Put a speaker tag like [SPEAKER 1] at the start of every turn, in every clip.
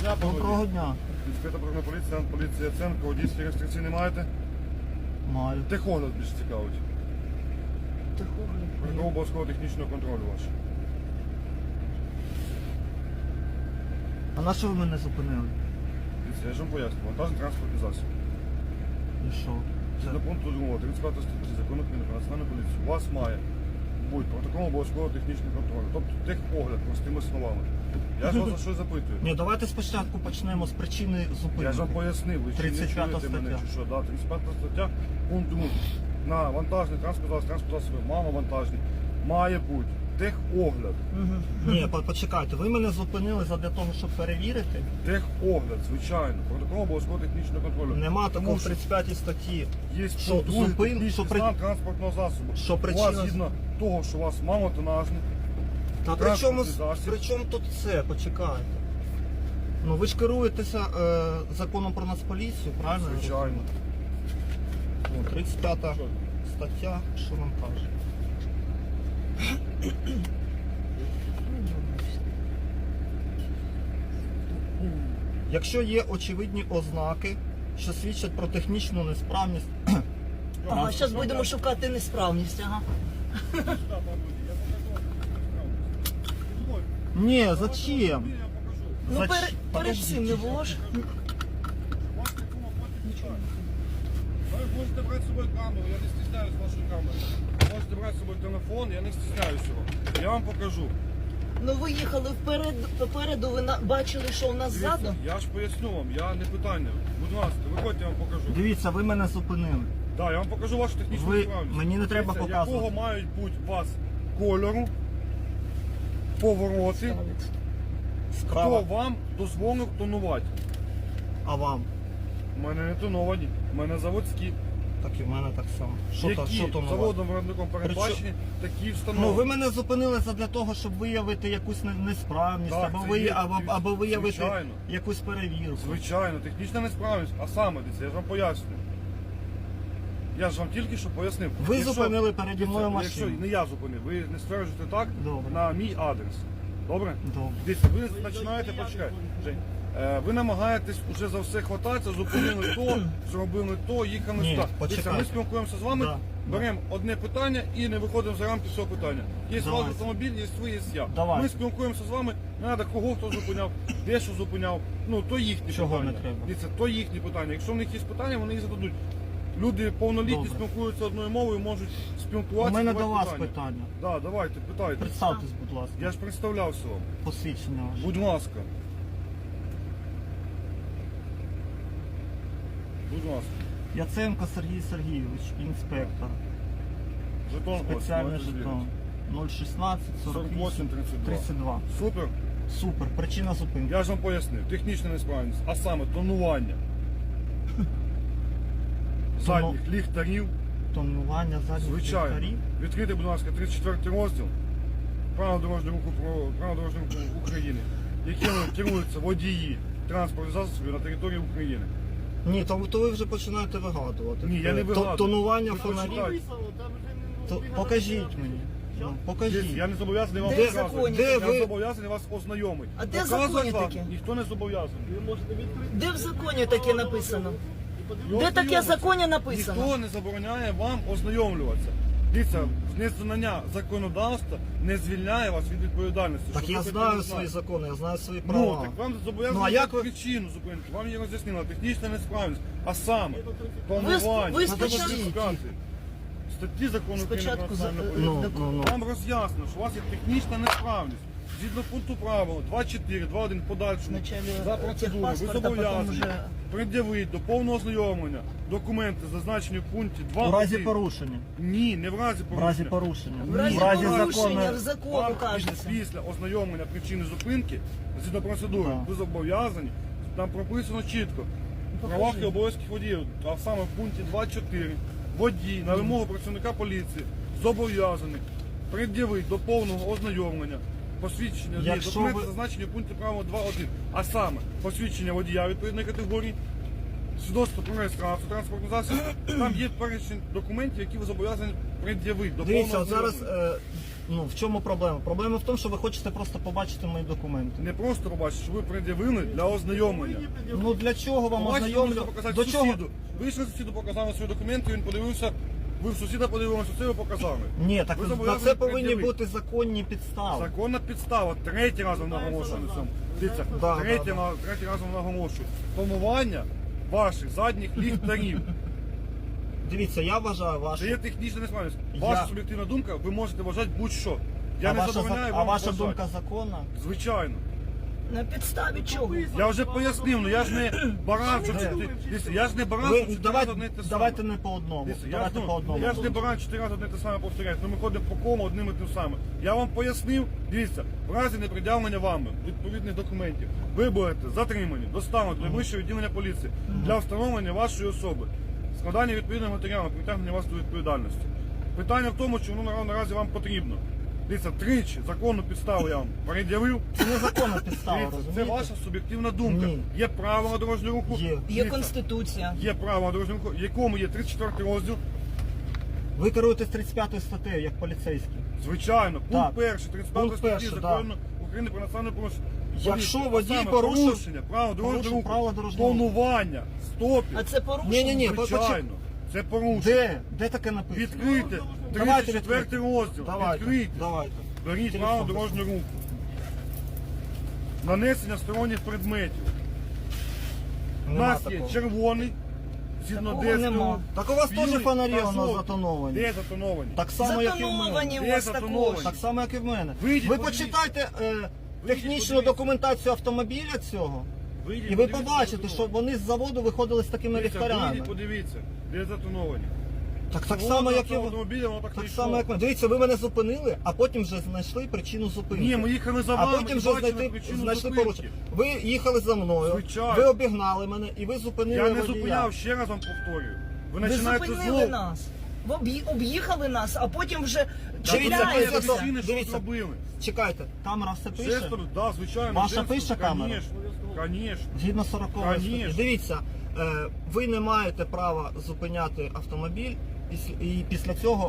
[SPEAKER 1] дня, пане
[SPEAKER 2] Доброго
[SPEAKER 1] водій.
[SPEAKER 2] дня.
[SPEAKER 1] Інспектор патрульної поліції, поліція Яценко, водійські реєстрації не маєте?
[SPEAKER 2] Маю.
[SPEAKER 1] Техогляд більш цікавить.
[SPEAKER 2] Техогляд.
[SPEAKER 1] Протокол обов'язкового технічного контролю ваш.
[SPEAKER 2] А на що ви мене зупинили?
[SPEAKER 1] Дивіться, я ж вам поясню. Вантажний транспортний засіб.
[SPEAKER 2] І що?
[SPEAKER 1] Згідно пункту 2, 35 статті Закону України про національну поліцію, у вас має бути протокол обов'язкового технічного контролю. Тобто техогляд, простими словами. Я ж вас за щось запитую.
[SPEAKER 2] Ні, давайте спочатку почнемо з причини зупинки.
[SPEAKER 1] Я ж вам пояснив, ви чи не
[SPEAKER 2] 35
[SPEAKER 1] чуєте мене,
[SPEAKER 2] стаття.
[SPEAKER 1] чи що? Да, 35 стаття, пункт 2. На вантажний транспорт засоби, маловантажний, має бути техогляд.
[SPEAKER 2] Ні, почекайте, ви мене зупинили задля того, щоб перевірити.
[SPEAKER 1] Техогляд, звичайно. Протокол обов'язкового технічного контролю.
[SPEAKER 2] Нема
[SPEAKER 1] Тому
[SPEAKER 2] такого в
[SPEAKER 1] що
[SPEAKER 2] 35 статті.
[SPEAKER 1] Є
[SPEAKER 2] що
[SPEAKER 1] пункт другий,
[SPEAKER 2] зупин-
[SPEAKER 1] технічний
[SPEAKER 2] що при-
[SPEAKER 1] стан транспортного засобу.
[SPEAKER 2] що
[SPEAKER 1] У
[SPEAKER 2] причина-
[SPEAKER 1] вас згідно того, що у вас малотонажний,
[SPEAKER 2] Та при чому,
[SPEAKER 1] транспортний засіб.
[SPEAKER 2] при чому тут це? Почекайте. Ну ви ж керуєтеся законом про Нацполіцію, правильно? я
[SPEAKER 1] звичайно.
[SPEAKER 2] розумію? Ну, 35 стаття, що нам каже? Якщо є очевидні ознаки, що свідчать про технічну несправність,
[SPEAKER 3] Ага, зараз будемо шукати несправність, ага.
[SPEAKER 2] ні, зачем?
[SPEAKER 3] Ну
[SPEAKER 2] Зач-
[SPEAKER 3] перед
[SPEAKER 2] Подождіть.
[SPEAKER 3] цим не було ж.
[SPEAKER 1] Ви можете брати з собою камеру, я не стісняюсь вашої камери. Можете брати з собою телефон, я не стісняюсь його. Я вам покажу.
[SPEAKER 3] Ну ви їхали попереду, ви бачили, що у нас
[SPEAKER 1] Дивіться,
[SPEAKER 3] ззаду.
[SPEAKER 1] я ж поясню вам, я не питання. Будь ласка, виходьте, я вам покажу.
[SPEAKER 2] Дивіться, ви мене зупинили.
[SPEAKER 1] Так, я вам покажу вашу технічну
[SPEAKER 2] Ви-
[SPEAKER 1] справність.
[SPEAKER 2] мені не треба
[SPEAKER 1] Дивіться,
[SPEAKER 2] показувати.
[SPEAKER 1] якого мають бути у вас кольору, повороти, хто
[SPEAKER 2] Справа.
[SPEAKER 1] вам дозволив тонувати.
[SPEAKER 2] А вам?
[SPEAKER 1] У мене не тоновані, у мене заводські.
[SPEAKER 2] Так і в мене так само. Що
[SPEAKER 1] Які
[SPEAKER 2] то нове?
[SPEAKER 1] заводом виробником передбачені, такі встановлені.
[SPEAKER 2] Ну ви мене зупинили задля того, щоб виявити якусь несправність,
[SPEAKER 1] Так,
[SPEAKER 2] або,
[SPEAKER 1] це є,
[SPEAKER 2] або виявити
[SPEAKER 1] звичайно.
[SPEAKER 2] якусь перевірку.
[SPEAKER 1] Звичайно, технічна несправність. А саме, дивіться, я ж вам пояснюю. Я ж вам тільки що пояснив.
[SPEAKER 2] Ви зупинили переді мною
[SPEAKER 1] Дивіться, Якщо
[SPEAKER 2] машину.
[SPEAKER 1] не я зупинив, ви не стверджуєте так
[SPEAKER 2] Добре.
[SPEAKER 1] на мій адрес. Добре?
[SPEAKER 2] Добре.
[SPEAKER 1] Дивіться, ви починаєте, почекайте, Жень. Ви намагаєтесь уже за все хвататися, зупинили то, зробили то, їхали
[SPEAKER 2] Ні,
[SPEAKER 1] сюди.
[SPEAKER 2] почекайте.
[SPEAKER 1] Дивіться, ми спілкуємося з вами,
[SPEAKER 2] Да,
[SPEAKER 1] беремо одне питання і не виходимо за рамки цього питання. Є
[SPEAKER 2] Давайте.
[SPEAKER 1] ваш автомобіль, є ви, є я.
[SPEAKER 2] Давайте.
[SPEAKER 1] Ми спілкуємося з вами, не треба кого хто зупиняв, де що зупиняв. Ну, то їхні
[SPEAKER 2] Чого
[SPEAKER 1] питання.
[SPEAKER 2] не треба?
[SPEAKER 1] Дивіться, то їхні питання. Якщо в них є питання, вони їх зададуть. Люди повнолітні
[SPEAKER 2] Добре.
[SPEAKER 1] спілкуються одною мовою, можуть
[SPEAKER 2] У
[SPEAKER 1] спілкуватися.
[SPEAKER 2] мене
[SPEAKER 1] задавати
[SPEAKER 2] до вас
[SPEAKER 1] питання.
[SPEAKER 2] питання.
[SPEAKER 1] Да, давайте, питайте.
[SPEAKER 2] Представтесь, будь ласка.
[SPEAKER 1] Я ж представлявся вам.
[SPEAKER 2] Посвідчення ваше.
[SPEAKER 1] Будь ласка. Будь ласка.
[SPEAKER 2] Яценко Сергій Сергійович, інспектор.
[SPEAKER 1] Жетон ось,
[SPEAKER 2] Спеціальний
[SPEAKER 1] можете
[SPEAKER 2] жетон.
[SPEAKER 1] звірити.
[SPEAKER 2] 016 48
[SPEAKER 1] 48 32.
[SPEAKER 2] 32.
[SPEAKER 1] Супер.
[SPEAKER 2] Супер. Причина зупинки.
[SPEAKER 1] Я ж вам пояснив. Технічна несправність, а саме тонування задніх ліхтарів.
[SPEAKER 2] Тонування задніх
[SPEAKER 1] Звичайно.
[SPEAKER 2] ліхтарів.
[SPEAKER 1] Відкрийте, будь ласка, 34 розділ Правил дорожнього руху України, якими керуються водії транспортних засобів на території України.
[SPEAKER 2] Ні, то ви вже починаєте вигадувати.
[SPEAKER 1] Ні, я не вигадую.
[SPEAKER 2] Тонування
[SPEAKER 1] Ви
[SPEAKER 2] фонарів.
[SPEAKER 1] почитайте.
[SPEAKER 2] Покажіть мені. Ну, покажіть.
[SPEAKER 1] Я не зобов'язаний вам
[SPEAKER 3] Де
[SPEAKER 1] показувати.
[SPEAKER 3] законі
[SPEAKER 2] Де
[SPEAKER 1] Я
[SPEAKER 2] ви-
[SPEAKER 1] зобов'язаний вас ознайомити.
[SPEAKER 3] А де
[SPEAKER 1] Показувати
[SPEAKER 3] законі
[SPEAKER 1] вам
[SPEAKER 3] таке?
[SPEAKER 1] ніхто не зобов'язаний.
[SPEAKER 3] Де в законі таке написано?
[SPEAKER 1] Ну,
[SPEAKER 3] Де таке в
[SPEAKER 1] ознайомитися.
[SPEAKER 3] законі написано?
[SPEAKER 1] Ніхто не забороняє вам ознайомлюватися. Дивіться, незнання законодавства не звільняє вас від відповідальності.
[SPEAKER 2] Так
[SPEAKER 1] щоб
[SPEAKER 2] я
[SPEAKER 1] ви
[SPEAKER 2] знаю
[SPEAKER 1] хотіли
[SPEAKER 2] свої
[SPEAKER 1] знати.
[SPEAKER 2] закони, я знаю свої
[SPEAKER 1] Ну,
[SPEAKER 2] права.
[SPEAKER 1] так вам зобов'язані
[SPEAKER 2] Ну, а як ви-
[SPEAKER 1] причину зупинки. Вам її роз'яснила технічна несправність. А саме,
[SPEAKER 3] ви
[SPEAKER 1] планування,
[SPEAKER 3] спочатку-
[SPEAKER 1] статті закону України
[SPEAKER 3] Спочатку
[SPEAKER 1] про
[SPEAKER 3] за-
[SPEAKER 1] національну поліцію.
[SPEAKER 2] Ну.
[SPEAKER 1] Вам роз'яснено, що у вас є технічна несправність. Згідно пункту правил 2.4, 2.1 подальшому
[SPEAKER 3] Вначале
[SPEAKER 1] за процедурою ви
[SPEAKER 3] техпаспорт, а потім
[SPEAKER 1] зобов'язані
[SPEAKER 3] вже-
[SPEAKER 1] пред'явити до повного ознайомлення документи, зазначені в пункті 2.
[SPEAKER 2] У разі порушення.
[SPEAKER 1] Ні, не в разі
[SPEAKER 2] В
[SPEAKER 1] порушення.
[SPEAKER 2] разі порушення.
[SPEAKER 3] В разі порушення в закону
[SPEAKER 1] Вам
[SPEAKER 3] кажеться.
[SPEAKER 1] після ознайомлення причини зупинки, згідно процедури,
[SPEAKER 2] Так.
[SPEAKER 1] ви зобов'язані, там прописано чітко. Права і обов'язки водіїв, а саме в пункті 2.4 водій на вимогу працівника поліції зобов'язаний пред'явити до повного ознайомлення посвідчення
[SPEAKER 2] Якщо
[SPEAKER 1] документи,
[SPEAKER 2] ви-
[SPEAKER 1] зазначені в пункті правил 2.1, а саме посвідчення водія відповідної категорії, свідоцтво про реєстрацію транспортного засобу, там є перечень документів, які ви зобов'язані пред'явити до
[SPEAKER 2] Дивіться,
[SPEAKER 1] повного
[SPEAKER 2] от зараз
[SPEAKER 1] ознайомлення.
[SPEAKER 2] Ну, в чому проблема? Проблема в тому, що ви хочете просто побачити мої документи.
[SPEAKER 1] Не просто побачити, що ви пред'явили для ознайомлення.
[SPEAKER 2] Ну для чого вам
[SPEAKER 1] Побачите, ви
[SPEAKER 2] ознайомлю?
[SPEAKER 1] можете показати
[SPEAKER 2] До чого?
[SPEAKER 1] сусіду. Ви йшли сусіду, показали свої документи, він подивився, ви в сусіда подивилися, це ви показали.
[SPEAKER 2] Ні, так
[SPEAKER 1] Ви
[SPEAKER 2] на
[SPEAKER 1] зобов'язані
[SPEAKER 2] це повинні
[SPEAKER 1] пред'явити.
[SPEAKER 2] бути законні підстави.
[SPEAKER 1] Законна підстава, третій раз вам наголошую на цьому. Дивіться,
[SPEAKER 2] Да,
[SPEAKER 1] третій
[SPEAKER 2] да.
[SPEAKER 1] раз вам наголошую. Тонування ваших задніх ліхтарів.
[SPEAKER 2] Дивіться, я вважаю
[SPEAKER 1] Це
[SPEAKER 2] вашу.
[SPEAKER 1] є технічна несправність. Ваша
[SPEAKER 2] Я-
[SPEAKER 1] суб'єктивна думка, ви можете вважати будь-що. Я не забороняю
[SPEAKER 2] а
[SPEAKER 1] вам
[SPEAKER 2] ваша
[SPEAKER 1] вважати.
[SPEAKER 2] думка законна?
[SPEAKER 1] Звичайно.
[SPEAKER 3] На підставі чого?
[SPEAKER 1] Я вже пояснив, ну я ж не баран, що
[SPEAKER 2] Де?
[SPEAKER 1] дивіться, я ж не баран,
[SPEAKER 2] Ви
[SPEAKER 1] що 4 рази одне й те саме.
[SPEAKER 2] давайте не по одному.
[SPEAKER 1] Дивіться,
[SPEAKER 2] Давайте по одному.
[SPEAKER 1] я ж не баран 4 рази одне те саме повторяю, ну ми ходимо по кому одним і тим самим. Я вам пояснив, дивіться, в разі непред'явлення вами відповідних документів, ви будете затримані, доставлені до вищого відділення поліції для встановлення вашої особи, складання відповідного матеріалу, притягнення вас до відповідальності. Питання в тому, чи воно наразі вам потрібно. Дивіться, тричі законну підставу я вам пред'явив.
[SPEAKER 2] Це незаконна підстава,
[SPEAKER 1] Дивіться, це
[SPEAKER 2] розумієте?
[SPEAKER 1] ваша суб'єктивна думка.
[SPEAKER 2] Ні.
[SPEAKER 1] Є правила дорожнього руху.
[SPEAKER 2] Є.
[SPEAKER 3] Є
[SPEAKER 1] Дивіться,
[SPEAKER 3] Конституція.
[SPEAKER 1] Є правила дорожнього руху, в якому є 34 розділ.
[SPEAKER 2] Ви керуєтесь 35 статтею, як поліцейський.
[SPEAKER 1] Звичайно, пункт
[SPEAKER 2] Так.
[SPEAKER 1] перший, 35
[SPEAKER 2] Пункт
[SPEAKER 1] статті
[SPEAKER 2] перший,
[SPEAKER 1] закону України про національне порушення.
[SPEAKER 2] Якщо
[SPEAKER 1] Поліція,
[SPEAKER 2] водій
[SPEAKER 1] саме
[SPEAKER 2] порушив-
[SPEAKER 1] порушення правил дорожнього
[SPEAKER 2] правила
[SPEAKER 1] руху,
[SPEAKER 2] дорожнього руху.
[SPEAKER 1] тонування, стопів.
[SPEAKER 3] А це порушення?
[SPEAKER 2] Ні,
[SPEAKER 1] Звичайно, це порушення.
[SPEAKER 2] Де? Де таке написано?
[SPEAKER 1] Відкрийте
[SPEAKER 2] Давайте
[SPEAKER 1] 34
[SPEAKER 2] відкрийте.
[SPEAKER 1] розділ.
[SPEAKER 2] Давайте,
[SPEAKER 1] Відкрийте.
[SPEAKER 2] давайте.
[SPEAKER 1] Беріть
[SPEAKER 2] Телефон
[SPEAKER 1] право дорожнього руху. Нанесення сторонніх предметів. У
[SPEAKER 2] Нема
[SPEAKER 1] нас є
[SPEAKER 2] такого.
[SPEAKER 1] червоний, згідно
[SPEAKER 3] Такого
[SPEAKER 1] ДСТУ.
[SPEAKER 3] нема.
[SPEAKER 2] Так у вас теж
[SPEAKER 1] білий
[SPEAKER 2] фонарі
[SPEAKER 1] та
[SPEAKER 2] у нас
[SPEAKER 1] жовтий.
[SPEAKER 2] затоновані.
[SPEAKER 1] Де затоновані?
[SPEAKER 2] Так само, як і в мене.
[SPEAKER 3] Затоновані у
[SPEAKER 1] Де
[SPEAKER 3] вас
[SPEAKER 1] затоновані?
[SPEAKER 3] також.
[SPEAKER 2] Так само, як і в мене.
[SPEAKER 1] Вийдіть,
[SPEAKER 2] Ви
[SPEAKER 1] подивіться.
[SPEAKER 2] почитайте технічну
[SPEAKER 1] подивіться.
[SPEAKER 2] документацію автомобіля цього,
[SPEAKER 1] Вийдіть,
[SPEAKER 2] і ви
[SPEAKER 1] подивіться,
[SPEAKER 2] побачите,
[SPEAKER 1] де
[SPEAKER 2] що
[SPEAKER 1] затоновані.
[SPEAKER 2] вони з заводу виходили з такими
[SPEAKER 1] Дивіться,
[SPEAKER 2] ліхтарями.
[SPEAKER 1] вийдіть, подивіться, де затоновані.
[SPEAKER 2] Так само, як і ви.
[SPEAKER 1] автомобіля, воно так не
[SPEAKER 2] Так
[SPEAKER 1] йшло.
[SPEAKER 2] само, як ми. Дивіться, ви мене зупинили, а потім вже знайшли причину зупинки.
[SPEAKER 1] Ні, ми їхали за
[SPEAKER 2] А
[SPEAKER 1] вами,
[SPEAKER 2] потім
[SPEAKER 1] і
[SPEAKER 2] вже
[SPEAKER 1] бачили
[SPEAKER 2] знайшли
[SPEAKER 1] причину зупинки.
[SPEAKER 2] порушення. Ви їхали за мною,
[SPEAKER 1] Звичайно.
[SPEAKER 2] ви обігнали мене і ви зупинили
[SPEAKER 1] Я не
[SPEAKER 2] водія.
[SPEAKER 1] зупиняв, ще раз вам повторюю. Ви
[SPEAKER 3] Ви
[SPEAKER 1] починаєте
[SPEAKER 3] зупинили
[SPEAKER 1] знову.
[SPEAKER 3] нас. Ви об'їхали нас, а потім вже
[SPEAKER 2] Дивіться,
[SPEAKER 3] чіпляєтеся.
[SPEAKER 2] дивіться,
[SPEAKER 1] причини, що
[SPEAKER 2] дивіться.
[SPEAKER 1] зробили.
[SPEAKER 2] Чекайте, камера все пише.
[SPEAKER 1] Жестом, да, звичайно.
[SPEAKER 2] Ваша
[SPEAKER 1] жестом,
[SPEAKER 2] пише камера?
[SPEAKER 1] Конечно.
[SPEAKER 2] Згідно 40 статті.
[SPEAKER 1] Конечно.
[SPEAKER 2] Дивіться, ви не маєте права зупиняти автомобіль і після цього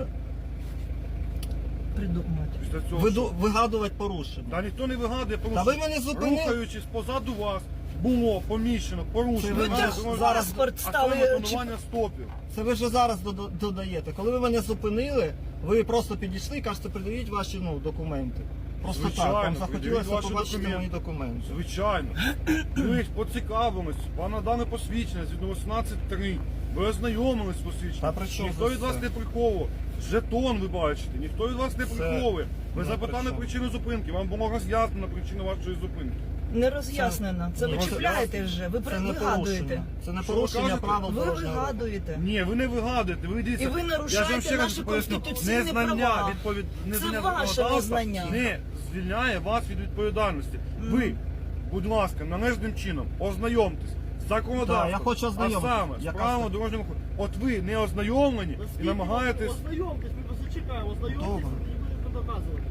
[SPEAKER 3] Придумати.
[SPEAKER 1] Після цього.
[SPEAKER 2] вигадувати порушення.
[SPEAKER 1] Та ніхто не вигадує
[SPEAKER 2] Та
[SPEAKER 1] порушення.
[SPEAKER 2] ви мене зупинили.
[SPEAKER 1] Рухаючись позаду вас, було поміщено порушення.
[SPEAKER 2] Це ви
[SPEAKER 1] на
[SPEAKER 2] теж
[SPEAKER 1] дорожньому
[SPEAKER 2] зараз
[SPEAKER 3] паспорт
[SPEAKER 1] а
[SPEAKER 3] стали
[SPEAKER 1] саме тонування стопів.
[SPEAKER 2] Це ви вже зараз додаєте. Коли ви мене зупинили, ви просто підійшли і кажете, придивіть ваші документи. Просто
[SPEAKER 1] Звичайно,
[SPEAKER 2] так, вам
[SPEAKER 1] придивіть
[SPEAKER 2] захотілося
[SPEAKER 1] ваші
[SPEAKER 2] побачити
[SPEAKER 1] документи.
[SPEAKER 2] мої документи.
[SPEAKER 1] Звичайно. Ми ж поцікавимось, вам надане посвідчення згідно 18.3. Ви ознайомились з
[SPEAKER 2] Та
[SPEAKER 1] посвідченням.
[SPEAKER 2] при чому
[SPEAKER 1] Ніхто
[SPEAKER 2] це
[SPEAKER 1] від вас
[SPEAKER 2] все?
[SPEAKER 1] не приховував. Жетон ви бачите, ніхто від вас не
[SPEAKER 2] Це
[SPEAKER 1] приховує. Ви
[SPEAKER 2] не
[SPEAKER 1] запитали
[SPEAKER 2] при чому.
[SPEAKER 1] причину зупинки, вам було роз'яснено причину вашої зупинки.
[SPEAKER 3] Не роз'яснено. Це ви
[SPEAKER 2] Ні,
[SPEAKER 3] чіпляєте вже. Ви
[SPEAKER 2] Це не
[SPEAKER 3] вигадуєте.
[SPEAKER 2] порушення. Це не
[SPEAKER 1] Що ви
[SPEAKER 2] порушення
[SPEAKER 1] кажете?
[SPEAKER 2] правил
[SPEAKER 3] Ви
[SPEAKER 2] дорожнього руху.
[SPEAKER 3] вигадуєте.
[SPEAKER 1] Ні, ви не вигадуєте, ви дивіться.
[SPEAKER 3] І ви нарушаєте
[SPEAKER 1] Я ж вам ще раз
[SPEAKER 3] наші
[SPEAKER 1] поясню.
[SPEAKER 3] конституційні
[SPEAKER 1] Незнання
[SPEAKER 3] права.
[SPEAKER 1] незнання
[SPEAKER 3] Це ваше
[SPEAKER 1] законодавства
[SPEAKER 3] незнання.
[SPEAKER 1] не звільняє вас від відповідальності. Ви, будь ласка, належним чином ознайомтесь з законодавством.
[SPEAKER 2] Так, я хочу ознайомитись.
[SPEAKER 1] А саме, з
[SPEAKER 2] Яка
[SPEAKER 1] правилами
[SPEAKER 2] це?
[SPEAKER 1] дорожнього руху. От ви не ознайомлені і намагаєтесь...
[SPEAKER 4] Ознайомтесь, ми просто чекаємо, ознайомтесь
[SPEAKER 2] Добре.
[SPEAKER 4] і будете доказувати.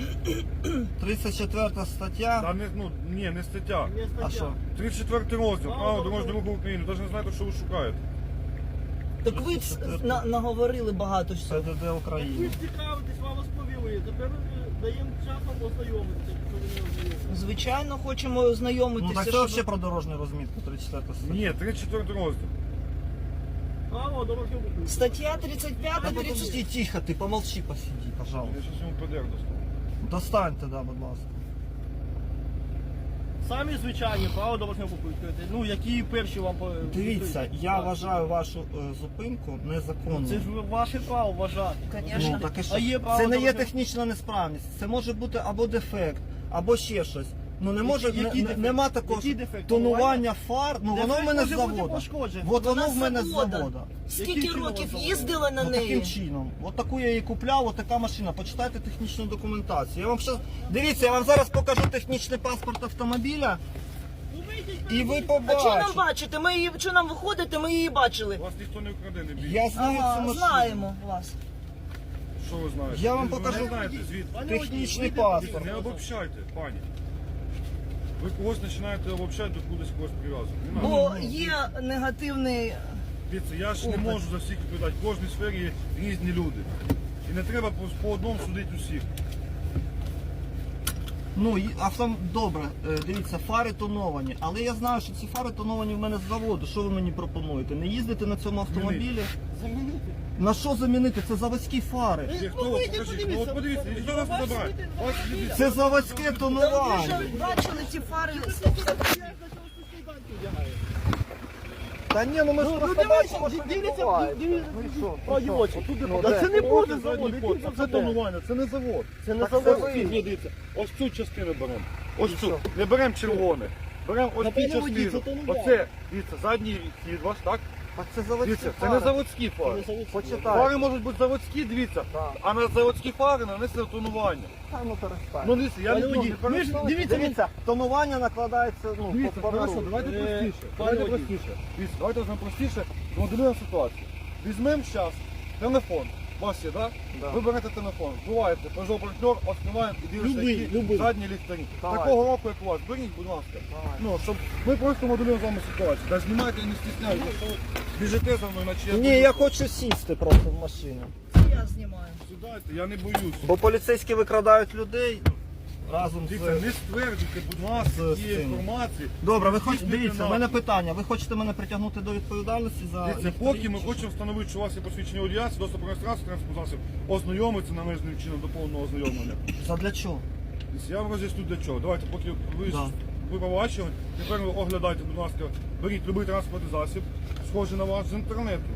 [SPEAKER 2] 34 стаття.
[SPEAKER 1] Та не, ну, ні, не стаття.
[SPEAKER 4] Не стаття.
[SPEAKER 2] А що?
[SPEAKER 1] 34 розділ, право дорожнього руху України. Навіть не знаєте, що ви шукаєте.
[SPEAKER 3] Так ви наговорили багато всього.
[SPEAKER 2] ПДД
[SPEAKER 4] Ви
[SPEAKER 2] України.
[SPEAKER 4] ж цікавитесь, вам розповіли. Тепер даємо час вам ознайомитися, якщо ви не ознайомитесь.
[SPEAKER 3] Звичайно, хочемо
[SPEAKER 2] Ну
[SPEAKER 3] ознайомитися.
[SPEAKER 2] так це
[SPEAKER 3] щоб-
[SPEAKER 2] взагалі про дорожню розмітку, 34 стаття.
[SPEAKER 1] Ні, 34 розділ.
[SPEAKER 4] Право дорожнього руху.
[SPEAKER 3] Стаття 35,
[SPEAKER 2] Та
[SPEAKER 3] 30...
[SPEAKER 2] подожди, тихо, ти помолчи, посиди, пожалуйста.
[SPEAKER 1] Я зараз йому ПДР достану.
[SPEAKER 2] Достаньте, да, будь ласка.
[SPEAKER 4] Самі звичайні право дорожнього руху. Ну, які перші вам...
[SPEAKER 2] Дивіться, я
[SPEAKER 4] Так.
[SPEAKER 2] вважаю вашу зупинку незаконною.
[SPEAKER 4] Це ж ваше право вважати.
[SPEAKER 3] Конечно.
[SPEAKER 2] Ну, так і що?
[SPEAKER 4] А є право
[SPEAKER 2] Це не є
[SPEAKER 4] дорожнього-
[SPEAKER 2] технічна несправність, це може бути або дефект, або ще щось. Ну не може,
[SPEAKER 4] Який дефект?
[SPEAKER 2] нема такого
[SPEAKER 4] Який дефект?
[SPEAKER 2] тонування фар, ну воно в
[SPEAKER 4] Дефект
[SPEAKER 2] мене з
[SPEAKER 4] може бути
[SPEAKER 2] завода.
[SPEAKER 4] пошкоджений.
[SPEAKER 2] От воно
[SPEAKER 3] Вона
[SPEAKER 2] в мене з
[SPEAKER 3] завода.
[SPEAKER 2] завода.
[SPEAKER 3] Скільки
[SPEAKER 4] Яким чином
[SPEAKER 3] років
[SPEAKER 4] вона
[SPEAKER 3] їздила на
[SPEAKER 2] Ну, таким
[SPEAKER 3] неї?
[SPEAKER 2] чином. От таку я її купляв, от така машина. Почитайте технічну документацію. Я вам щас... Дивіться, я вам зараз покажу технічний паспорт автомобіля,
[SPEAKER 4] Ну, вийдіть,
[SPEAKER 2] і ви
[SPEAKER 3] А що нам
[SPEAKER 2] побачите.
[SPEAKER 3] бачите? Ми її, що нам виходити, ми її бачили.
[SPEAKER 1] Вас ніхто не вкраде, не бійтесь.
[SPEAKER 2] Я знаю цю
[SPEAKER 3] Ага,
[SPEAKER 2] машину.
[SPEAKER 3] знаємо вас.
[SPEAKER 1] Що ви знаєте?
[SPEAKER 2] Я вам
[SPEAKER 1] Ви
[SPEAKER 2] покажу.
[SPEAKER 1] не знаєте звідки.
[SPEAKER 4] Пане
[SPEAKER 2] Технічний
[SPEAKER 4] водій,
[SPEAKER 2] паспорт.
[SPEAKER 1] Не обобщайте, пані. Ви когось починаєте обобщати, до кудись когось прив'язувати. Не надо.
[SPEAKER 3] Бо є негативний.
[SPEAKER 1] Дивіться, я ж не
[SPEAKER 3] Опит.
[SPEAKER 1] можу за всіх відповідати. В кожній сфері є різні люди. І не треба по одному судити усіх.
[SPEAKER 2] Ну, добре, дивіться, фари тоновані. Але я знаю, що ці фари тоновані в мене з заводу. Що ви мені пропонуєте? Не їздити на цьому автомобілі?
[SPEAKER 4] Замінити.
[SPEAKER 2] На що замінити? Це заводські фари.
[SPEAKER 1] Є хто? Покажіть. Ну от подивіться, ніхто вас не забирає. Вас люди-
[SPEAKER 2] Це заводське
[SPEAKER 3] Ви
[SPEAKER 2] тонування.
[SPEAKER 3] вже бачили ці фари.
[SPEAKER 2] Та ні, ну ми ж просто бачимо, що відбувається.
[SPEAKER 4] Це не буде завод,
[SPEAKER 1] Це тонування, це не завод.
[SPEAKER 2] Це не
[SPEAKER 1] Так,
[SPEAKER 2] завод.
[SPEAKER 1] це ви. Дивіться, ось цю частину беремо. Ось цю. Не беремо червоне. Беремо ось цю
[SPEAKER 4] Напевно, водій,
[SPEAKER 1] частину.
[SPEAKER 4] це тонування.
[SPEAKER 1] Оце, дивіться, задній хід ваш, так?
[SPEAKER 2] А це заводські
[SPEAKER 1] Дивіться, це не
[SPEAKER 2] фари.
[SPEAKER 1] заводські фари.
[SPEAKER 2] Почитай.
[SPEAKER 1] Фари можуть бути заводські, дивіться,
[SPEAKER 2] Так.
[SPEAKER 1] а на заводські фари нанесли тонування.
[SPEAKER 2] Та ну перестань.
[SPEAKER 1] Ну дивіться, я не
[SPEAKER 4] Пане
[SPEAKER 1] буду.
[SPEAKER 4] водій, ми ж- Дивіться,
[SPEAKER 2] тонування накладається, ну,
[SPEAKER 1] Дивіться,
[SPEAKER 2] по
[SPEAKER 1] хорошо,
[SPEAKER 2] пару.
[SPEAKER 1] давайте простіше.
[SPEAKER 4] пане
[SPEAKER 1] Давайте
[SPEAKER 4] водій.
[SPEAKER 1] простіше. Дивіться, давайте візьмемо простіше, змоделюємо ситуацію. Візьмемо зараз телефон. У вас є, так?
[SPEAKER 2] Да.
[SPEAKER 1] Ви берете телефон, вбиваєте Peugeot партнер, відкриваємо і дивишся,
[SPEAKER 4] Любий,
[SPEAKER 1] які
[SPEAKER 4] любий.
[SPEAKER 1] задні ліхтарі.
[SPEAKER 2] Давай.
[SPEAKER 1] Такого року, як у вас, беріть, будь ласка.
[SPEAKER 2] Давай.
[SPEAKER 1] Ну, щоб ми просто моделюємо з вами ситуацію. Та знімайте і не стісняйтеся, що ви біжите за мною, наче
[SPEAKER 2] Ні, я хочу сісти просто в машину.
[SPEAKER 3] Я знімаю.
[SPEAKER 1] Сідайте, я не боюсь.
[SPEAKER 2] Бо поліцейські викрадають людей разом
[SPEAKER 1] Дивіться,
[SPEAKER 2] з...
[SPEAKER 1] не стверджуйте, будь ласка,
[SPEAKER 2] з
[SPEAKER 1] цієї
[SPEAKER 2] цим.
[SPEAKER 1] інформації.
[SPEAKER 2] Добре, ви
[SPEAKER 1] Не
[SPEAKER 2] хочете,
[SPEAKER 1] здійснюйте
[SPEAKER 2] дивіться, в
[SPEAKER 1] напад.
[SPEAKER 2] мене питання. Ви хочете мене притягнути до відповідальності за...
[SPEAKER 1] Дивіться,
[SPEAKER 2] ліхтарі
[SPEAKER 1] поки ми
[SPEAKER 2] чи
[SPEAKER 1] хочемо встановити, що у вас є посвідчення водія, доступ до реєстрації транспортного засобу, ознайомитися належним чином до повного ознайомлення.
[SPEAKER 2] що? Задля чого?
[SPEAKER 1] Дивіться, я вам роз'ясню для чого. Давайте, поки ви
[SPEAKER 2] Да.
[SPEAKER 1] ви побачили, тепер ви оглядайте, будь ласка, беріть будь-який транспортний засіб, схожий на вас з інтернету.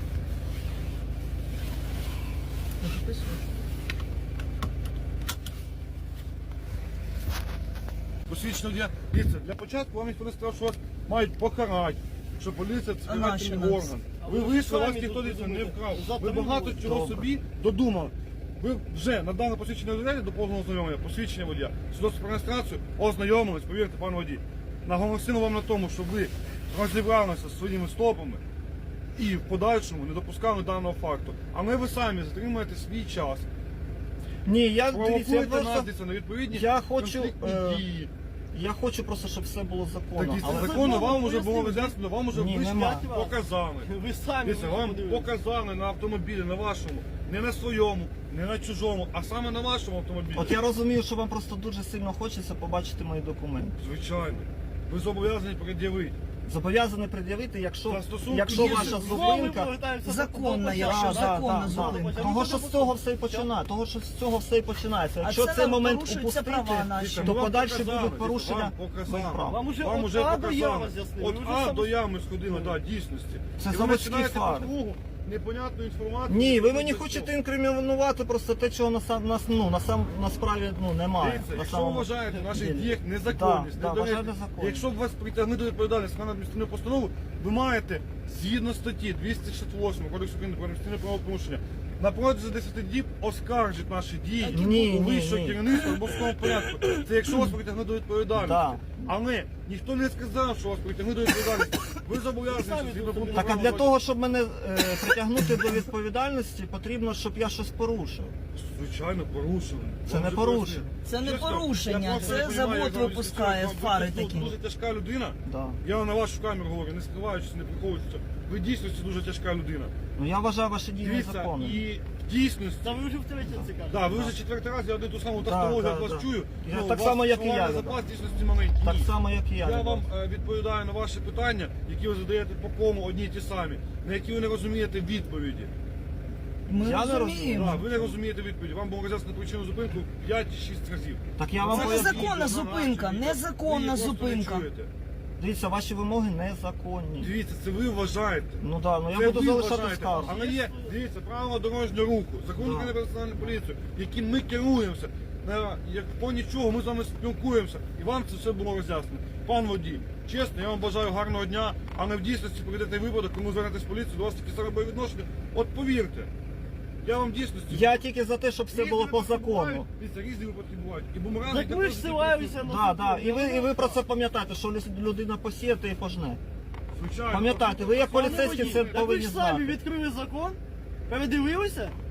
[SPEAKER 1] Посвідчення водія. Дивіться, для початку вам ніхто не сказав, що вас мають покарати, що поліція це
[SPEAKER 3] А нащо
[SPEAKER 1] співательний
[SPEAKER 3] нам?
[SPEAKER 1] орган.
[SPEAKER 4] А
[SPEAKER 1] Ви
[SPEAKER 4] ви
[SPEAKER 1] вийшли, вас
[SPEAKER 4] самі
[SPEAKER 1] ніхто
[SPEAKER 4] тут
[SPEAKER 1] дивіться, не
[SPEAKER 4] думаєте.
[SPEAKER 1] вкрав.
[SPEAKER 4] Завтра
[SPEAKER 1] Ви
[SPEAKER 4] не
[SPEAKER 1] багато
[SPEAKER 4] буде.
[SPEAKER 1] чого
[SPEAKER 2] Добре.
[SPEAKER 1] собі додумали. Ви вже надали посвідчення водія до повного ознайомлення, посвідчення водія, свідоцтво про реєстрацію, ознайомились, повірте, пан водій. Наголосили вам на тому, щоб ви розібралися зі своїми стопами і в подальшому не допускали даного факту. А ми ви самі затримаєте свій час.
[SPEAKER 2] Ні, я, дивіться, я
[SPEAKER 1] Провокуєте нас
[SPEAKER 2] просто...
[SPEAKER 1] дивіться, на відповідні
[SPEAKER 2] Я хочу,
[SPEAKER 1] конфліктні дії.
[SPEAKER 2] Я хочу просто, щоб все було
[SPEAKER 1] Так,
[SPEAKER 2] законно.
[SPEAKER 1] дивіться,
[SPEAKER 2] Але...
[SPEAKER 1] законно вам вже було
[SPEAKER 4] пояснили.
[SPEAKER 1] роз'яснено, вам вже
[SPEAKER 2] Ні,
[SPEAKER 1] вийшли,
[SPEAKER 2] нема.
[SPEAKER 1] показали.
[SPEAKER 4] Ви самі
[SPEAKER 1] Дивіться, вам
[SPEAKER 4] подивилися.
[SPEAKER 1] показали на автомобілі, на вашому, не на своєму, не на чужому, а саме на вашому автомобілі.
[SPEAKER 2] От я розумію, що вам просто дуже сильно хочеться побачити мої документи.
[SPEAKER 1] Звичайно. Ви зобов'язані пред'явити.
[SPEAKER 2] Зобов'язаний пред'явити,
[SPEAKER 1] За
[SPEAKER 2] якщо
[SPEAKER 1] стосунки є.
[SPEAKER 2] ваша
[SPEAKER 4] Знову ми
[SPEAKER 2] зупинка...
[SPEAKER 4] повертаємося до
[SPEAKER 3] Законна, я
[SPEAKER 4] початку.
[SPEAKER 3] що, законна зупинка.
[SPEAKER 2] Того, що з цього все і починає, того, що з цього все і починається. Якщо
[SPEAKER 3] це
[SPEAKER 2] цей
[SPEAKER 3] нам
[SPEAKER 2] момент
[SPEAKER 3] порушуються
[SPEAKER 2] упустити,
[SPEAKER 3] права наші.
[SPEAKER 1] Дивіться,
[SPEAKER 2] то
[SPEAKER 1] вам
[SPEAKER 2] подальші
[SPEAKER 1] показали,
[SPEAKER 2] будуть порушення
[SPEAKER 1] вам показали.
[SPEAKER 2] моїх прав.
[SPEAKER 4] Вам уже
[SPEAKER 1] Вам
[SPEAKER 4] от
[SPEAKER 1] уже
[SPEAKER 4] А до Я
[SPEAKER 1] показали.
[SPEAKER 4] роз'яснили.
[SPEAKER 1] От
[SPEAKER 4] Ви вже
[SPEAKER 1] А
[SPEAKER 4] сам-
[SPEAKER 1] до Я ми сходили, да, дійсності.
[SPEAKER 2] Це
[SPEAKER 1] І ви
[SPEAKER 2] заводські
[SPEAKER 1] починаєте
[SPEAKER 2] фари.
[SPEAKER 1] по кругу непонятну інформацію.
[SPEAKER 2] Ні, ви мені
[SPEAKER 1] Це
[SPEAKER 2] хочете
[SPEAKER 1] що?
[SPEAKER 2] інкримінувати просто те, чого на справі немає.
[SPEAKER 1] Дивіться,
[SPEAKER 2] На
[SPEAKER 1] якщо ви
[SPEAKER 2] самому
[SPEAKER 1] вважаєте в наших
[SPEAKER 2] ділі.
[SPEAKER 1] діях незаконність,
[SPEAKER 2] Да,
[SPEAKER 1] недоречність,
[SPEAKER 2] вважаю незаконністю.
[SPEAKER 1] якщо б вас притягнути до відповідальності на адміністративну постанову, ви маєте згідно статті 268 Кодексу України про адміністративне правопорушення на протязі 10 діб оскаржить наші дії
[SPEAKER 2] Ні,
[SPEAKER 1] у
[SPEAKER 2] ні,
[SPEAKER 1] вищого
[SPEAKER 2] ні.
[SPEAKER 1] керівництва в обов'язковому порядку. Це якщо вас притягнуть до відповідальності.
[SPEAKER 2] Да.
[SPEAKER 1] Але ніхто не сказав, що вас притягнуть до відповідальності. Ви зобов'язані
[SPEAKER 4] Самі
[SPEAKER 1] згідно пункту
[SPEAKER 2] Так, а
[SPEAKER 1] правил
[SPEAKER 2] для того, щоб мене притягнути до відповідальності, потрібно, щоб я щось порушив.
[SPEAKER 1] Звичайно, порушили.
[SPEAKER 2] Це
[SPEAKER 1] Вам
[SPEAKER 2] не
[SPEAKER 1] же
[SPEAKER 2] порушення.
[SPEAKER 1] пояснили.
[SPEAKER 3] Це не
[SPEAKER 1] Чесно,
[SPEAKER 3] порушення,
[SPEAKER 1] я просто
[SPEAKER 3] це
[SPEAKER 1] не розумію,
[SPEAKER 3] завод
[SPEAKER 1] як вам
[SPEAKER 3] випускає
[SPEAKER 1] об'яснити,
[SPEAKER 3] фари
[SPEAKER 1] ви
[SPEAKER 3] такі.
[SPEAKER 1] Дуже тяжка людина.
[SPEAKER 2] Да.
[SPEAKER 1] Я вам на вашу камеру говорю, не скриваючись, не приховуючись. Ви дійсно дуже тяжка людина.
[SPEAKER 2] Ну я вважаю ваші дії
[SPEAKER 1] Дивіться,
[SPEAKER 2] незаконними.
[SPEAKER 1] і в дійсності.
[SPEAKER 4] Та ви вже втретє це кажете.
[SPEAKER 1] Да, ви вже четвертий раз, я один ту саму
[SPEAKER 2] Да,
[SPEAKER 1] тавтологію
[SPEAKER 2] да,
[SPEAKER 1] від вас
[SPEAKER 2] да.
[SPEAKER 1] чую.
[SPEAKER 2] Я
[SPEAKER 1] Ну,
[SPEAKER 2] так
[SPEAKER 1] у вас
[SPEAKER 2] само, як і
[SPEAKER 1] словарний
[SPEAKER 2] я,
[SPEAKER 1] запас дійсності маленький.
[SPEAKER 2] Так
[SPEAKER 1] Ні.
[SPEAKER 2] само, як і я.
[SPEAKER 1] Я
[SPEAKER 2] Любов.
[SPEAKER 1] вам відповідаю на ваші питання, які ви задаєте по кому одні й ті самі, на які ви не розумієте відповіді.
[SPEAKER 3] Ми
[SPEAKER 2] Я не
[SPEAKER 3] розуміємо.
[SPEAKER 1] Да, ви не розумієте відповіді. Вам було роз'яснено причину зупинку 5-6 разів.
[SPEAKER 2] Так я вам
[SPEAKER 3] Це
[SPEAKER 2] поясню.
[SPEAKER 3] незаконна зупинка, незаконна зупинка.
[SPEAKER 2] Дивіться, ваші вимоги незаконні.
[SPEAKER 1] Дивіться, це ви вважаєте.
[SPEAKER 2] Ну да, ну
[SPEAKER 1] Це
[SPEAKER 2] я буду
[SPEAKER 1] ви
[SPEAKER 2] залишати
[SPEAKER 1] вважаєте.
[SPEAKER 2] скаргу.
[SPEAKER 1] Але є, дивіться, правила дорожнього руху, закон
[SPEAKER 2] Да.
[SPEAKER 1] України про національну поліцію, яким ми керуємося. Як по нічого ми з вами спілкуємося, і вам це все було роз'яснено. Пан водій, чесно, я вам бажаю гарного дня, а не в дійсності прийдете випадок, коли звернетесь в поліцію, до вас такі самі бойові відношення. От повірте, я вам в дійсності...
[SPEAKER 2] Я тільки за те, щоб все
[SPEAKER 1] Різні
[SPEAKER 2] було по
[SPEAKER 1] випадки
[SPEAKER 2] закону.
[SPEAKER 1] бувають. Дивіться, різні випадки бувають. І бумеранги...
[SPEAKER 4] Так ми ж силаємося на
[SPEAKER 2] Да, да. І ви про це пам'ятаєте, що людина посіє, то і пожне.
[SPEAKER 1] Звичайно.
[SPEAKER 2] Пам'ятайте, ви як
[SPEAKER 4] Пане
[SPEAKER 2] поліцейські
[SPEAKER 4] водій,
[SPEAKER 2] це
[SPEAKER 4] так ви
[SPEAKER 2] повинні
[SPEAKER 4] ж самі
[SPEAKER 2] знати.
[SPEAKER 4] відкрили закон, передивилися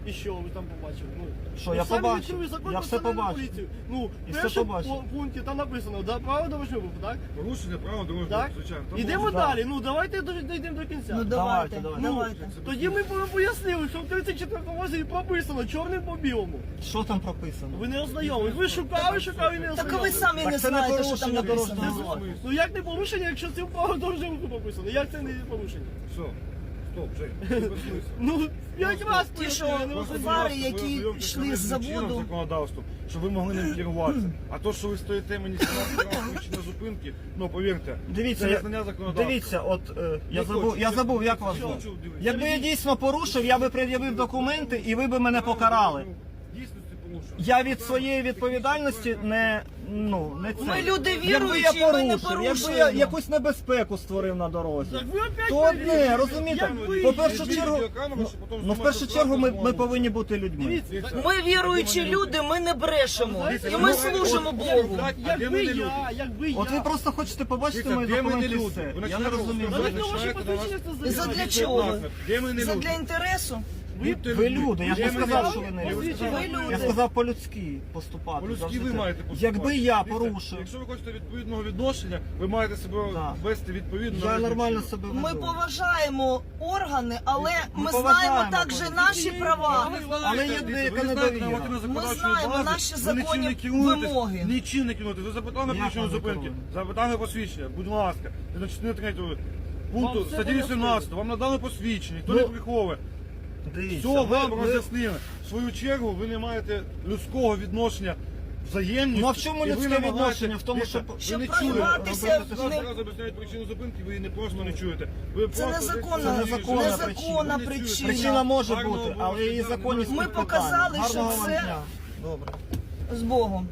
[SPEAKER 4] І що ви там побачили? Ну,
[SPEAKER 2] Що,
[SPEAKER 4] ви
[SPEAKER 2] я
[SPEAKER 4] самі
[SPEAKER 2] побачив.
[SPEAKER 4] відкрили закон
[SPEAKER 2] Я
[SPEAKER 4] про
[SPEAKER 2] все
[SPEAKER 4] національну
[SPEAKER 2] побачив.
[SPEAKER 4] поліцію. Ну,
[SPEAKER 2] І
[SPEAKER 4] в
[SPEAKER 2] все
[SPEAKER 4] першому
[SPEAKER 2] побачив.
[SPEAKER 4] пункті там написано, да, право дорожнього руху, так?
[SPEAKER 1] Порушення правил дорожнього
[SPEAKER 4] Так?
[SPEAKER 1] руху, звичайно. Там
[SPEAKER 4] Ідемо
[SPEAKER 1] можна-
[SPEAKER 4] далі, ну давайте дійдемо до кінця.
[SPEAKER 3] Ну
[SPEAKER 2] Давайте,
[SPEAKER 3] давайте,
[SPEAKER 2] давайте.
[SPEAKER 3] давайте.
[SPEAKER 4] Тоді ми пояснили, що в 34-му розділі прописано чорним по білому.
[SPEAKER 2] Що там прописано?
[SPEAKER 4] Ви не ознайомились. Ви шукали і не
[SPEAKER 3] Так а ви
[SPEAKER 4] ознайомились.
[SPEAKER 3] самі
[SPEAKER 2] Так
[SPEAKER 3] не
[SPEAKER 2] це не
[SPEAKER 3] знаєте, що там
[SPEAKER 2] порушення
[SPEAKER 3] написано.
[SPEAKER 2] дорожнього руху.
[SPEAKER 4] Ну як не порушення, якщо це в право дорожнього руху прописано? Як це не порушення?
[SPEAKER 1] Все. Стоп, Жень. Це безсмисло.
[SPEAKER 4] Ну, 5 раз
[SPEAKER 3] Ті, що
[SPEAKER 4] пояснили, я не
[SPEAKER 1] Просто,
[SPEAKER 4] розумію.
[SPEAKER 3] фари,
[SPEAKER 1] будь ласка,
[SPEAKER 3] які
[SPEAKER 1] ви ознайомтеся
[SPEAKER 3] йшли з
[SPEAKER 1] з чинним
[SPEAKER 3] заводу.
[SPEAKER 1] законодавством, щоб ви могли ним керуватися. А то, що ви стоїте мені 17 разів на зупинки, ну повірте,
[SPEAKER 2] Дивіться,
[SPEAKER 1] це
[SPEAKER 2] я-
[SPEAKER 1] незнання законодавства.
[SPEAKER 2] дивіться, от я
[SPEAKER 1] Не
[SPEAKER 2] забув,
[SPEAKER 1] хочу,
[SPEAKER 2] я
[SPEAKER 1] не
[SPEAKER 2] забув, як
[SPEAKER 1] хочу,
[SPEAKER 2] вас
[SPEAKER 1] не
[SPEAKER 2] звуть.
[SPEAKER 1] хочу, дивіться.
[SPEAKER 2] Якби я дійсно порушив, я би пред'явив документи і ви б мене покарали.
[SPEAKER 1] Дійсно ти порушив.
[SPEAKER 2] Я від своєї відповідальності не це.
[SPEAKER 3] Ми люди
[SPEAKER 2] Якби
[SPEAKER 3] віруючі,
[SPEAKER 2] я
[SPEAKER 3] ми не
[SPEAKER 2] порушив, якби я
[SPEAKER 3] порушуємо.
[SPEAKER 2] якусь небезпеку створив на дорозі.
[SPEAKER 4] Так ви опять
[SPEAKER 2] То
[SPEAKER 4] говорите.
[SPEAKER 2] одне, розумієте,
[SPEAKER 4] Як ви-
[SPEAKER 2] по першу
[SPEAKER 1] Візьміть
[SPEAKER 2] чергу,
[SPEAKER 1] відеокамеру, щоб потім
[SPEAKER 2] в
[SPEAKER 1] знімати
[SPEAKER 2] першу чергу ми
[SPEAKER 1] розмову.
[SPEAKER 2] повинні бути людьми.
[SPEAKER 4] Дивіться,
[SPEAKER 3] Ми віруючі люди, ми не брешемо. І ми служимо Богу.
[SPEAKER 1] А де
[SPEAKER 4] якби
[SPEAKER 1] ми не люди?
[SPEAKER 4] якби
[SPEAKER 2] От ви
[SPEAKER 4] я.
[SPEAKER 2] просто хочете побачити
[SPEAKER 1] Дивіться,
[SPEAKER 2] мої
[SPEAKER 1] де ми не
[SPEAKER 2] документи і
[SPEAKER 1] люди?
[SPEAKER 2] все.
[SPEAKER 1] Ви
[SPEAKER 2] Я не
[SPEAKER 1] починаєте
[SPEAKER 2] розумію.
[SPEAKER 1] розказувати,
[SPEAKER 4] Давайте ваше
[SPEAKER 1] починаєте до нас-
[SPEAKER 4] посвідчення це
[SPEAKER 3] Задля
[SPEAKER 4] заявляти.
[SPEAKER 3] чого?
[SPEAKER 1] Де ми не
[SPEAKER 3] Це
[SPEAKER 1] люди?
[SPEAKER 3] для інтересу.
[SPEAKER 2] Ви люди, я ж не
[SPEAKER 1] Де ми
[SPEAKER 2] сказав,
[SPEAKER 1] люди?
[SPEAKER 2] що ви не
[SPEAKER 1] Я
[SPEAKER 2] люди.
[SPEAKER 1] сказав,
[SPEAKER 3] Ви люди.
[SPEAKER 2] Я сказав по-людськи поступати.
[SPEAKER 1] По-людськи
[SPEAKER 2] завжди
[SPEAKER 1] ви
[SPEAKER 2] так.
[SPEAKER 1] маєте поступати.
[SPEAKER 2] Якби я
[SPEAKER 1] Дивіться,
[SPEAKER 2] порушив,
[SPEAKER 1] Якщо ви хочете відповідного відношення, ви маєте себе
[SPEAKER 2] Да.
[SPEAKER 1] вести відповідно.
[SPEAKER 2] я
[SPEAKER 1] на
[SPEAKER 2] нормально
[SPEAKER 1] відповідь.
[SPEAKER 2] себе
[SPEAKER 3] Ми
[SPEAKER 2] веду.
[SPEAKER 3] поважаємо органи, але ми
[SPEAKER 2] поважаємо
[SPEAKER 3] знаємо також
[SPEAKER 2] органи.
[SPEAKER 3] наші права.
[SPEAKER 2] Але є
[SPEAKER 1] Дивіться,
[SPEAKER 2] деяка
[SPEAKER 1] ви не знаєте
[SPEAKER 2] недовіра.
[SPEAKER 1] нормативно законодавчої
[SPEAKER 3] знаємо
[SPEAKER 1] бази,
[SPEAKER 3] наші
[SPEAKER 1] ви нічим
[SPEAKER 3] законні
[SPEAKER 1] не керуєтесь,
[SPEAKER 3] вимоги.
[SPEAKER 1] Нічим не керуєтесь. Ви запитали на
[SPEAKER 2] Як
[SPEAKER 1] причину
[SPEAKER 2] ви не
[SPEAKER 1] зупинки,
[SPEAKER 2] керуєтесь?
[SPEAKER 1] запитали посвідчення, будь ласка. Згідно частини 3 пункту
[SPEAKER 4] Вам все
[SPEAKER 1] статті 18, вам надали посвідчення, ніхто не
[SPEAKER 2] Ну,
[SPEAKER 1] приховує.
[SPEAKER 2] Дивіться,
[SPEAKER 1] Все, вам
[SPEAKER 2] ви-
[SPEAKER 1] роз'яснили. В свою чергу ви не маєте людського відношення взаємністю.
[SPEAKER 2] Ну, а в чому
[SPEAKER 1] і ви
[SPEAKER 2] людське
[SPEAKER 1] намагаєтесь-
[SPEAKER 2] відношення? В тому,
[SPEAKER 1] Дивіться,
[SPEAKER 2] щоб-
[SPEAKER 1] ви
[SPEAKER 3] Щоб
[SPEAKER 1] не чуєте.
[SPEAKER 3] проїбатися
[SPEAKER 1] Робити
[SPEAKER 3] в
[SPEAKER 1] те,
[SPEAKER 3] не-
[SPEAKER 1] що раз об'ясняють причину зупинки, ви не просто не чуєте. Ви
[SPEAKER 3] Це
[SPEAKER 1] просто
[SPEAKER 3] незаконна-
[SPEAKER 1] десь-
[SPEAKER 2] незаконна
[SPEAKER 3] незаконна
[SPEAKER 1] Ви не чуєте.
[SPEAKER 3] причина.
[SPEAKER 2] Причина може
[SPEAKER 1] Гарного
[SPEAKER 2] бути,
[SPEAKER 1] Бога
[SPEAKER 2] але її
[SPEAKER 1] життя
[SPEAKER 2] законність
[SPEAKER 1] немає.
[SPEAKER 3] Ми
[SPEAKER 2] під питанням.
[SPEAKER 3] показали, що
[SPEAKER 2] Гарного вам
[SPEAKER 3] це-
[SPEAKER 2] дня. Добре.
[SPEAKER 3] З Богом.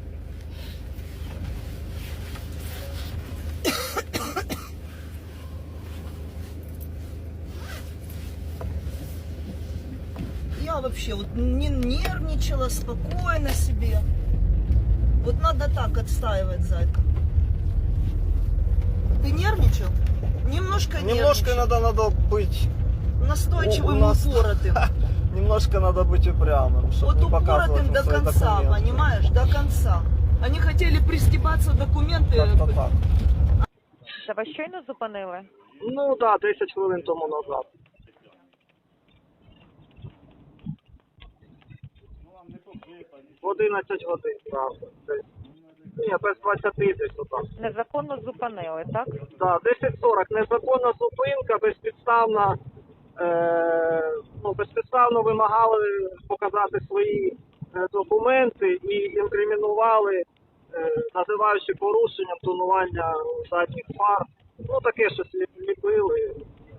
[SPEAKER 3] Я вообще вот не нервничала, спокойно себе. Вот надо так отстаивать, зайка. Ты нервничал? Немножко
[SPEAKER 2] Немножко
[SPEAKER 3] нервничал.
[SPEAKER 2] надо быть,
[SPEAKER 3] Настойчивым
[SPEAKER 2] у нас-
[SPEAKER 3] и упоротым.
[SPEAKER 2] немножко надо быть упрямым, чтобы
[SPEAKER 3] Вот
[SPEAKER 2] не показывать
[SPEAKER 3] упоротым
[SPEAKER 2] вам
[SPEAKER 3] до
[SPEAKER 2] свои
[SPEAKER 3] конца,
[SPEAKER 2] документы.
[SPEAKER 3] понимаешь? До конца. Они хотели пристебаться документы.
[SPEAKER 2] Как-то так.
[SPEAKER 5] Це вас щойно зупинили?
[SPEAKER 2] Ну так, 10 хвилин тому назад. В 11 годин, так. Ні, без 20 десь отак.
[SPEAKER 5] Незаконно зупинили, так?
[SPEAKER 2] Так, 10:40. Незаконна зупинка, безпідставна, безпідставно вимагали показати свої документи і інкримінували, називаючи порушенням тонування задніх фар. Ну таке щось ліпили.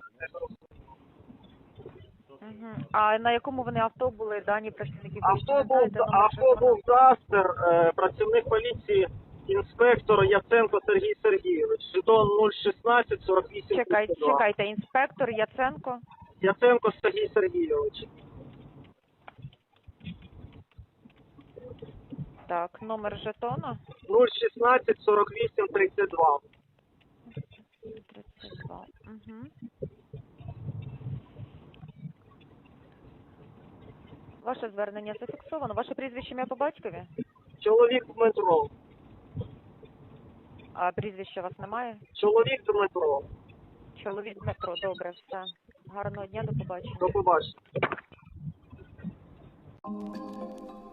[SPEAKER 5] Угу. А на якому вони авто були дані працівників поліції?
[SPEAKER 2] Авто
[SPEAKER 5] Не знаєте, номер
[SPEAKER 2] був
[SPEAKER 5] жетона?
[SPEAKER 2] Дастер, працівник поліції, інспектор Яценко Сергій Сергійович. Жетон 016 48
[SPEAKER 5] Чекайте, інспектор Яценко.
[SPEAKER 2] Яценко Сергій Сергійович.
[SPEAKER 5] Так, номер жетона
[SPEAKER 2] 016 48 32.
[SPEAKER 5] 32. Угу. Ваше звернення зафіксовано. Ваше прізвище, ім'я по батькові?
[SPEAKER 2] Чоловік Дмитро.
[SPEAKER 5] А прізвища у вас немає?
[SPEAKER 2] Чоловік Дмитро.
[SPEAKER 5] Чоловік Дмитро, добре, все. Гарного дня, до побачення.
[SPEAKER 2] До побачення.